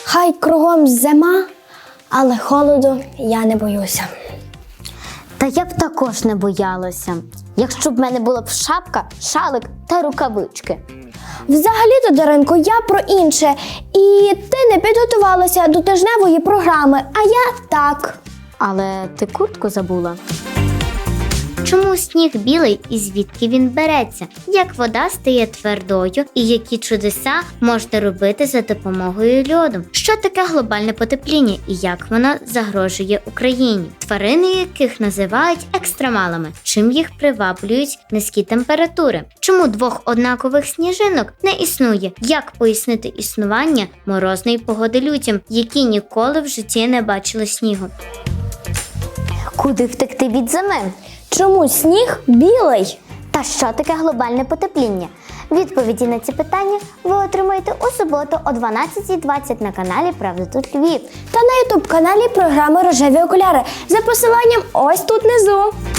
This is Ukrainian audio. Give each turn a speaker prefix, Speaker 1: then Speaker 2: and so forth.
Speaker 1: Хай кругом зима, але холоду я не боюся.
Speaker 2: Та я б також не боялася, якщо б в мене була б шапка, шалик та рукавички.
Speaker 1: Взагалі-то, Даринко, я про інше. І ти не підготувалася до тижневої програми, а я так.
Speaker 2: Але ти куртку забула.
Speaker 3: Чому сніг білий і звідки він береться? Як вода стає твердою і які чудеса можна робити за допомогою льоду? Що таке глобальне потепління і як воно загрожує Україні? Тварини, яких називають екстремалами, чим їх приваблюють низькі температури? Чому двох однакових сніжинок не існує? Як пояснити існування морозної погоди людям, які ніколи в житті не бачили снігу?
Speaker 2: Куди втекти від зими?
Speaker 1: Чому сніг білий?
Speaker 2: Та що таке глобальне потепління? Відповіді на ці питання ви отримаєте у суботу о 12:20 на каналі «Правда тут Львів».
Speaker 1: Та на ютуб-каналі програми «Рожеві окуляри» за посиланням ось тут внизу.